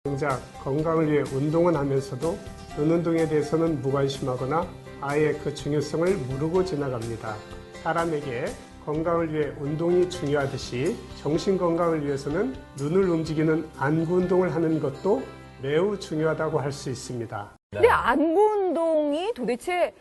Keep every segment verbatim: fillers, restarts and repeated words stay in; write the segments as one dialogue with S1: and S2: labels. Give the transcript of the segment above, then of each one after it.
S1: 정작 건강을 위해 운동은 하면서도 눈 운동에 대해서는 무관심하거나 아예 그 중요성을 모르고 지나갑니다. 사람에게 건강을 위해 운동이 중요하듯이 정신 건강을 위해서는 눈을 움직이는 안구 운동을 하는 것도 매우 중요하다고 할 수 있습니다.
S2: 근데 안구 운동이 도대체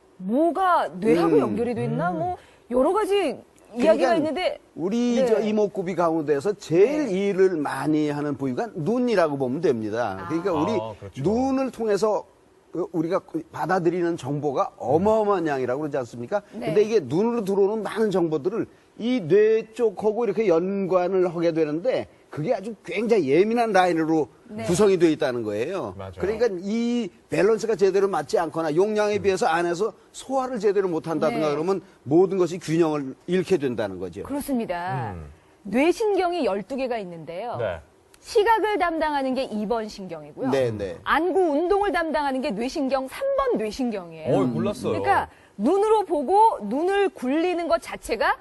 S2: 뭐가 뇌하고
S3: 음.
S2: 연결이 돼 있나? 뭐 여러 가지 이야기가
S3: 그러니까
S2: 있는데
S3: 우리
S2: 네.
S3: 저 이목구비 가운데서 제일
S2: 네.
S3: 일을 많이 하는 부위가 눈이라고 보면 됩니다. 그러니까
S2: 아.
S3: 우리
S4: 아, 그렇죠.
S3: 눈을 통해서 우리가 받아들이는 정보가 어마어마한 양이라고 그러지 않습니까?
S2: 네.
S3: 근데 이게 눈으로 들어오는 많은 정보들을 이 뇌 쪽하고 이렇게 연관을 하게 되는데 그게 아주 굉장히 예민한 라인으로
S2: 네.
S3: 구성이 되어 있다는 거예요.
S4: 맞아요.
S3: 그러니까 이 밸런스가 제대로 맞지 않거나 용량에 비해서 안에서 소화를 제대로 못한다든가
S2: 네.
S3: 그러면 모든 것이 균형을 잃게 된다는 거죠.
S2: 그렇습니다.
S4: 음.
S2: 뇌신경이 열두 개가 있는데요.
S4: 네.
S2: 시각을 담당하는 게 이 번 신경이고요.
S3: 네, 네.
S2: 안구 운동을 담당하는 게 뇌신경 삼 번 뇌신경이에요.
S4: 어, 몰랐어요.
S2: 그러니까 눈으로 보고 눈을 굴리는 것 자체가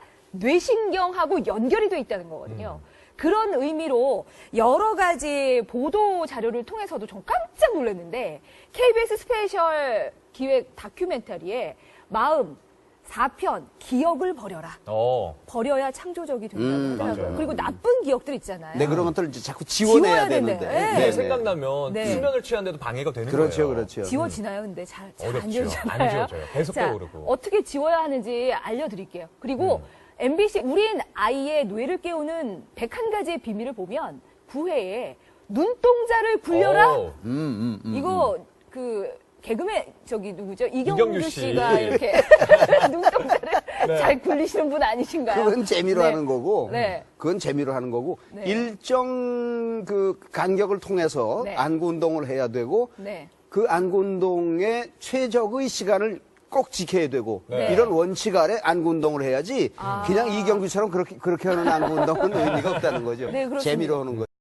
S2: 뇌신경하고 연결이 돼 있다는 거거든요.
S4: 음.
S2: 그런 의미로 여러 가지 보도 자료를 통해서도 좀 깜짝 놀랐는데 케이비에스 스페셜 기획 다큐멘터리에 마음 사 편 기억을 버려라.
S4: 어.
S2: 버려야 창조적이 된다고
S3: 음,
S2: 하더라고요.
S4: 맞아요.
S2: 그리고 나쁜 기억들 있잖아요.
S3: 네, 그런 것들을 이제 자꾸 지워내야
S2: 지워야
S3: 되는데.
S2: 된대. 네.
S4: 그게
S2: 네.
S4: 생각나면
S2: 네.
S4: 수면을 취하는데도 방해가 되는
S3: 그렇죠,
S4: 거예요.
S3: 그렇죠.
S2: 지워지나요? 근데 잘 안
S4: 어렵죠.
S2: 지워지잖아요.
S4: 안 지워져요. 계속
S2: 자,
S4: 떠오르고.
S2: 어떻게 지워야 하는지 알려드릴게요. 그리고
S4: 음.
S2: 엠비씨 우린 아이의 뇌를 깨우는 백한 가지의 비밀을 보면 구 회에 눈동자를 굴려라.
S4: 오.
S3: 음, 음, 음.
S2: 이거 그 개그맨 저기 누구죠? 이경규,
S4: 이경규 씨.
S2: 씨가 이렇게 눈동자를
S4: 네.
S2: 잘 굴리시는 분 아니신가요?
S3: 그건 재미로
S2: 네.
S3: 하는 거고,
S2: 네.
S3: 그건 재미로 하는 거고,
S2: 네.
S3: 일정 그 간격을 통해서
S2: 네.
S3: 안구 운동을 해야 되고,
S2: 네.
S3: 그 안구 운동의 최적의 시간을 꼭 지켜야 되고,
S4: 네.
S3: 이런 원칙 아래 안구 운동을 해야지,
S2: 아.
S3: 그냥 이경규처럼 그렇게, 그렇게 하는 안구 운동은 의미가 없다는 거죠.
S2: 네, 그렇습니다.
S3: 재미로 하는 거죠.